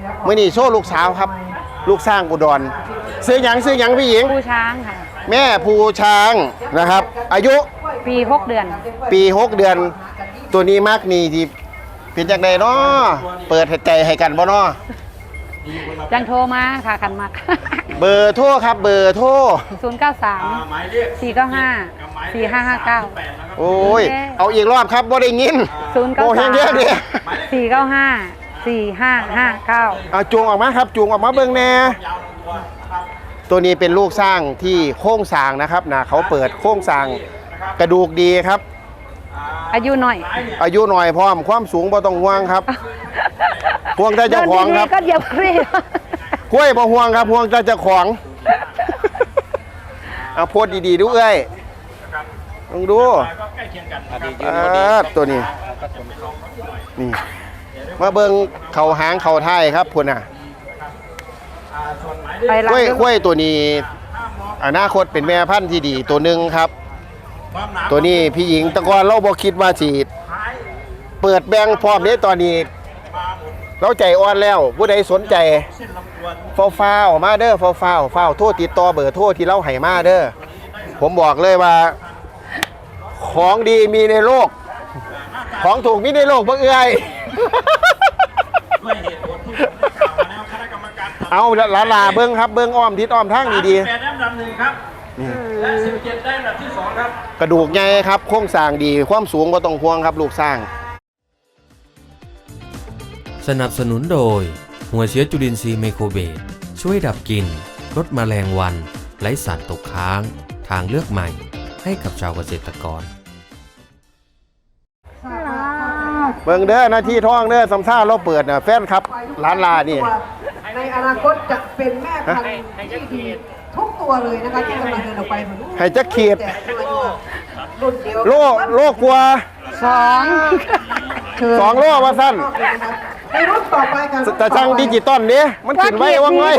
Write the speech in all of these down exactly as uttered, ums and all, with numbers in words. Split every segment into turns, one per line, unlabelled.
มื่อนี้โชว์ลูกสาวครับ ลูกสร้างอุดรซื้อหยังซื้อหยังพี่หญิง
ภูช้างค่ะ
แม่ภูช้างนะครับ อายุ
ปีหกเดือน
ปีหกเดือน ตัวนี้มากนี่ที่เป็นจากใดเนาะเปิดใจให้กันบ่เนาะ
จังโทรมาค่ะคันมัก
เบอร์โทรครับเบอร์โทร
ศูนย์เก้าสามสี่เก้าห้าสี่ห้าห้าเก้า
โอ้ยเอาอีกรอบครับบ่ได้ยิน
ศูนย์เก้า
โอ้แห้
สางม
เยอะดิ
สี่เก้าห้าสี่ห้าห้าเก้า
เอาจูงออกมาครับจูงออกมาเบิ่งแน่ตัวนี้เป็นลูกสร้างที่โค้งสร้างนะครับนะเขาเปิดโค้งสร้างกระดูกดีครับ
อายุหน่อย
อายุหน่อยพร้อมความสูงบ่ต้องห่วงครับห่วงแต่เจ้าของครับ
ก็เหยียบครีบ
กล้วยบ่ห่วงครับห่วงแต่เจ้าของเอาโพดดีๆดูเอ้ยลองดูอ่าตัวนี้นี่มาเบิ่งเข่าหางเข่าท้ายครับพุ่นน่ะ
ไป
กล้วย
ร้าน
กล้วยตัวนี้อนาคตเป็นแม่พันธุ์ที่ดีตัวหนึ่งครับ ตัวนี้พี่หญิงตะกอนเราบอกคิดว่าสีเปิดแบงค์พร้อมนี้ตอนนี้เราใจอ่อนแล้วผู้ใดสนใจฟ้าฟ้าออกมาเด้อฟ้าฟ้าฟ้าโทษติดต่อเบอร์โทษที่เราให้มาเด้อผมบอกเลยว่า ของดีมีในโลก ของถูกมีในโลกเพื่อเอื้อยเอาลาลาเบิ้งครับเบิ้งอ้อมทิศอ้อมทางดีๆ
แปดอันดับหนึ่งครับและสิบเจ็ดได้อันดับที่สองครับ
กระดูกใหญ่ครับโครงสร้างดีความสูงก็ต้องห่วงครับลูกสร้าง
สนับสนุนโดยหัวเชื้อจุลินทรีย์ไมโครเบสช่วยดับกลิ่นลดแมลงวันไล่สัตว์ตกค้างทางเลือกใหม่ให้กับชาวเกษตรกร
เบิ่งเด้อหน้าที่ท้องเด้อสำซ่าเราเปิดน่ะแฟนครับร้านลานี่
ในอนาคตจะเป็นแม่พันธุ์ที่ดีทุกตัวเลยนะคะที่กำลังเดินออกไปเหมือนลูก
ให้จักขีด
รุ่นเดียว
โลโลกลัว
สอง
สองโลว่าสั้น
ในรุ่นต่อไปค่ะ
แต่ช่างดิจิตอลเนี้ยมันขึ้นไว้ว่างไว้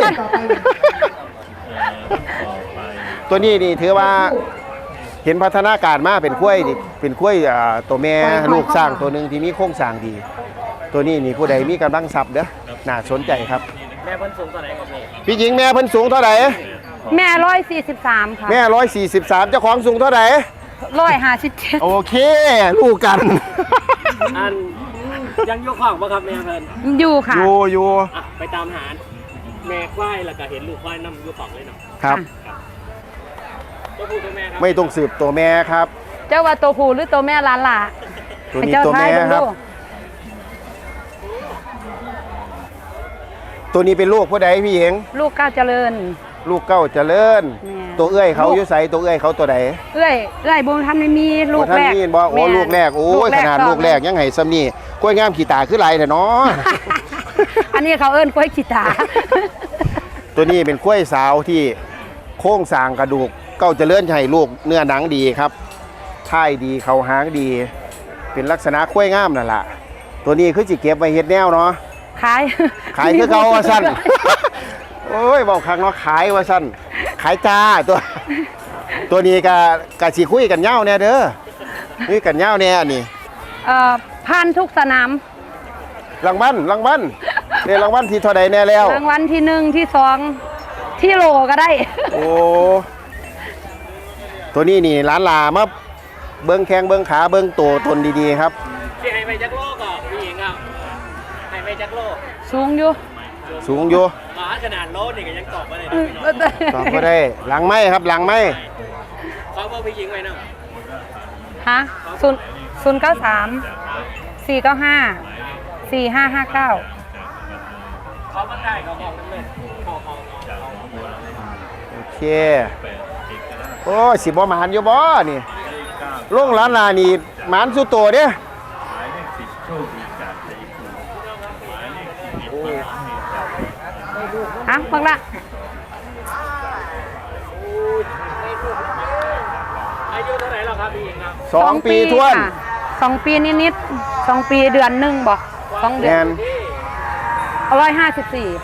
ตัวนี้นี่ถือว่าเห็นพัฒนาการมาเป็นกล้วยนี่เป็นกล้วยอ่าตัวแม่ลูกสร้างตัวหนึ่งที่มีโครงสร้างดี ตัวนี้นี่ผู้ใดมีกำลังทรัพย์เด้อน่าสนใจครับแม่เพิ่นสูงเท่าไหร่ครับพี่หญิงแม่เพิ่นสูงเท่าไหร่
แม่ร้อยสี่สิบสามค่ะ
แม่ร้อยสี่สิบสามเจ้าของสูงเท่าไหร่
ร้อยห้าสิบเจ็ด
โอเคลูกกัน
อันยังยกของป่ะครับแม่เพิ่น
อยู่ค่ะ
อยู่อยู่
อ่ะไปตามหาแม่ควายแล้วก็เห็นลูกควายนำยกของเลยเนาะ
ครับ
ตัวผู้ตัวแม่ครับ
ไม่ต้องสืบตัวแม่ครับ
เจ้าว่าตัวผู้หรือตัวแม่ล้านล่ะ
ตัวนี้ตัวแม่ครับ ตัวนี้เป็นลูกผู้ใดพี่หญิง
ลูกก้าวเจริญ
ลูกเก้าเจริญ
แม่
ตัวเอื้อยเขาอยู่ใสตัวเอื้อยเขาตัวใด
เอ้ยเอ้ยบุญทันไม่มีลูก
ท่าน
แรก
นี่บอกโอ้
แม่
ลูกแรกโอ้ยขนาดลูกแรกยังไงซ้ำนี่กล้วยงามขี่ตาขึ้นไรแต่เนาะ
อันนี้เขาเอิ้นกล้วยขีตา
ตัวนี้เป็นกล้วยสาวที่โค้งสร้างกระดูกเก้าเจริญให้ลูกเนื้อหนังดีครับท่ายดีเขาหางดี เป็นลักษณะกล้วยงามนั่นแหละตัวนี้คือจิเก็บไว้เฮ็ดแนวเนาะ
ขาย
ขายคือเขาว่าสั้น โอ้ยบอกครั้งเนาะขายว่าสั้นขายจ้าตัว ตัวนี้กะกะสิคุยกันเย้าเนี่ยเด้อนี่กันเย้าเนี่ยนี่
เอ่อผ่านทุกสนาม
รางวัลรางวัลเรียรางวัลที่เท่าใดแน่แล้ว
รางวัลที่หนึ่งที่สองที่โหลก็ได้
โอ้ตัวนี้นี่ร้านลามาเบิ้งแข้งเบิ้งขาเบิ้งตัวตนดีๆครับ
ที่ให้ไปจักโลก่อนพี่หญิงครับให้ไปจักโล
สูงอยู่
สูงอยู่
หมาขนาดโลนี่ก็ยังตอบมาเลยนะพี่น้อง
ตอบก็ได้หลังไม้ครับหลังไม้
เขาบอกพี่หญิงไว้นะ
ฮะศูนย์ศูนย์เก้าสามสี่เก้าห้าสี่ห้าห้าเก้า
เขามาได้เขาบอกนั่นเลยเขาเขา
โอเคโอ้ยสิบ่หมานอยู่บ่นี่ลงร้านลานี่หมานสุดโตเด้
ฮะฟังละ
อายุเท่าไหร่แล้วครับพี่หญิงครับ
สองปีท้วน
ค่ะสองปีนิดๆสองปีเดือนหนึ่งบอกสองเดื
แม
อน
น
ร้อยห้าสิบสี่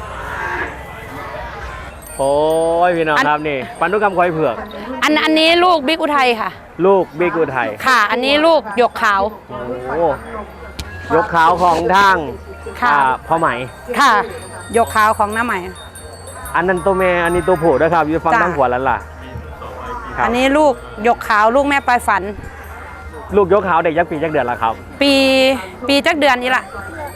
โอ้ยพี่น้องครับนี่ปันธุกรรมควายเผือก
อันอันนี้ลูกบิ๊กอุทัยค่ะ
ลูกบิ๊กอุทัย
ค่ะ อันนี้ลูกหยกขาว
โอ้ยกขาวของทาง
ค่ะ
อ่าพ่อไหม
ค่ะยกขาวของน้าใหม่
อันนั้นตัวแม่อันนี้ตัวผู้ด้วยครับอยู่ฟัง
จ้ะ
ทั้งหัวแล้วล่ะครับ
อันนี้ลูกยกขาวลูกแม่ปลายฝัน
ลูกยกขาวเด็กยักษ์ปียักษ์เดือนละครับ
ปีปีจักเดือนนี่ละ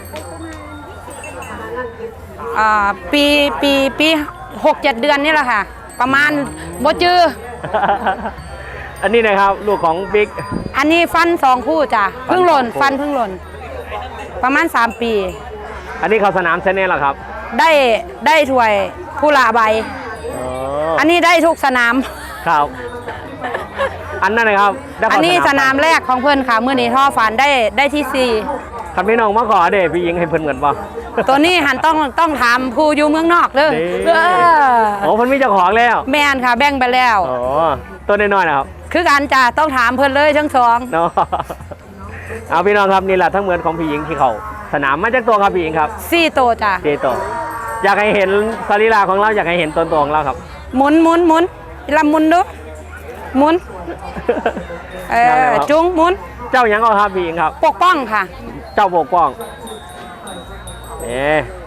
อ่าปีปีปีหกเจ็ดเดือนนี่แหละค่ะ ประมาณโบจือ
อันนี้นะครับลูกของบิ๊ก
อันนี้ฟันสองคู่จ้ะเพิ่งหล่นฟันเพิ่งหล่น ประมาณสามปี
อันนี้เขาสนามเซนเน่หรอครับ
ได้ได้ถ้วยผู้ละใบ
อ๋อ
อันนี้ได้ทุกสนาม
ครับ อันนั้นนะครับได้
อั
เข้าน
นี้สนามแรกของเพื่อนค่ะเมื่อนี้ท่อฟันได้ได้ที่สี่
คันพี่น้องมาขอเด็พี่ยิงให้เพิ่นเหมือนป่ะ
ตัวนี้หันต้องต้องถามผู้อยู่เมืองนอกเด้อ
นี่
เออ
โอ้เพิ่นมีเจ้าของแล้ว
แมนค่ะแบ่งไปแล้ว
อ๋อตัวน้อยๆนะครับ
คือการจะต้องถามเพื่อนเลยทั้งสอง
เนาะเอาพี่น้องครับนี่แหละทั้งเหมือนของพี่หญิงที่เขาสนามมาจากตัวครับพี่หญิงครับ
สี่โตวจ้ะ
เจโตอยากให้เห็นสรีระของเราอยากให้เห็นตัวตนของเราครับ
หมุนหมุนหมุนลำหมุนดูหมุนเอ
ยังไง
อ
ครับ
จุงหมุน
เจ้าหยังเอาครับพี่หญิงครับ
ปกป้องค่ะ
เจ้าปกป้องเอ๊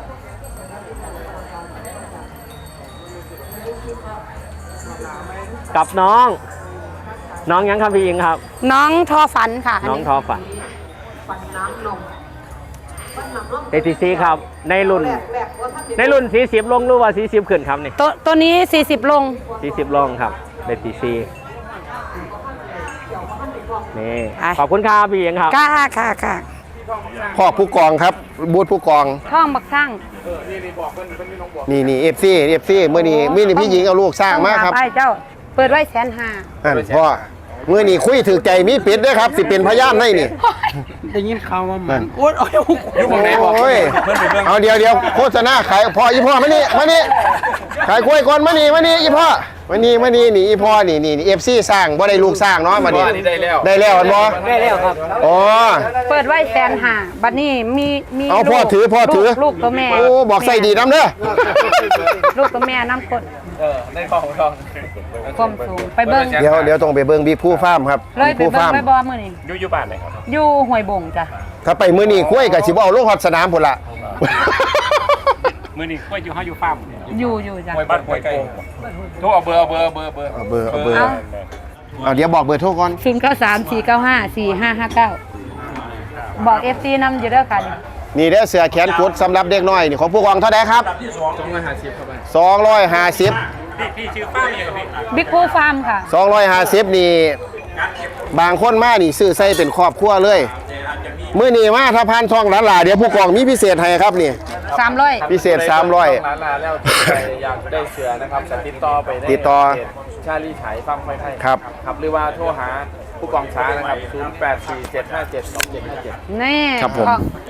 กับน้อง น้องหยังครับพี่หญิงครับ
น้องทอฝันค่ะ
น้องทอฝันเอทีซีครับ ในรุ่น ในรุ่นสี่สิบลงหรือว่าสี่สิบขึ้นครับนี่
ตัวตัวนี้สี่สิบลง
สี่สิบลงครับเอทีซีนี่
อ่ะ
ขอบคุณครับพี่หญิงครับ
ค่ะค่ะค่ะ
พ่อผู้กองครับบูธผู้กอง
ท่องบักสร้าง
นี่นี่เอฟซีเอฟซีเมื่อนี้มื่อนี้พี่หญิงเอาลูกสร้างมาครับ
ไปเจ้า เปิดไว้แสนห้า
นั่นพ่อเมื่อนี้คุยถือใจมีปิดด้วยครับสิเป็นพยานให้นี่
ได้ยินข่าวว่ามั
นั่
น
น
โอ๊ยโอ๊ยอยู่หมองไหนบอก
โอ้ย
เพื่อนไปเบิ่ง
เอาเดี๋ยวเดี๋ยวโฆษณาขายพ่ออีพ่อมานี่มานี่ขายกล้วยก่อนมานี่มานี่อีพ่อมานี่มานี่นี่อีพ่อนี่นี่เอฟซีสร้างบ่ได้ลูกสร้างเนาะมานี่
ได้แล้ว
ได้แล้วอันบ่
ได้แล้วครับ
อ๋อ
เปิดไว้แสนห้าบัดนี้มีมี
เอาพ่อ
ลูก
ถือพ่อถือ
ลูกลูกตัวแม่
โอ้บอกใส่ดีน้ำเด้อ
ลูกตัวแม่น้ำกด
เออได้ทองทอง
ความสูงไปเบิ้ง
เดี๋ยวเดี๋ยวต้องไปเบิ่งบิ๊กผู้ฟาร์มครับ
เลยไป
ผู้
เบิ้ง
ฟาร์ม
เลยบอมือนี่
อยู่อยู่บ้านไหนครับ
อยู่ห้วยบงจ้ะ
ถ้าไปมื้อนี้กล้วยก็สิบ่เอาลงฮอดสนามพุ่นล่ะ
มื้อนี้ก็อยู่ห้าอยู่ฟาร์ม
อยู่อยู่จ้ะ
ห้วยบ้านห้วยโป่งโทรเอาเบอร์เอาเบอร์เอาเบอร์เบอร์
เอาเบอร์เอาเบอร์
เอา
เอาเดี๋ยวบอกเบอร์โทรก่อน
ศูนย์เก้าสามสี่เก้าห้าสี่ห้าห้าเก้าบอกเอฟซีนำอยู่เด้อค่ะนี่
นี่เด้อเสื้อแขนกุดสำหรับเด็กน้อยนี่ของผู้กองเท่าใดครับ
ที่สองสองร้อยห้าสิบครับ
สองร้อยห้าสิบ
พี่พี่ชื่อฟาร์มยังไงพี่
บิ๊กพูฟาร์มค่ะ
สองร้อยห้าสิบนี่บางคนมานี่ซื้อใส่เป็นครอบครัวเลยมื้อนี้มาถ้าผ่านช่องหลานหลาเดี๋ยวผู้กองมีพิเศษให้ครับนี่
สามร้อย
พิเศษสามร้อย
ร้านลาแล้วที่ใครอยากได้เสือนะครับจะติดต่อไปได้
ติดต่อ
เพจชาลีฉายฟังไฟไทย
ครับ
ครับหรือว่าโทรหาผู้กองช้านะครับ ศูนย์ แปด สี่ เจ็ด ห้า เจ็ด สอง เจ็ด ห้า เจ็ด
นี่
ครับผม
ของ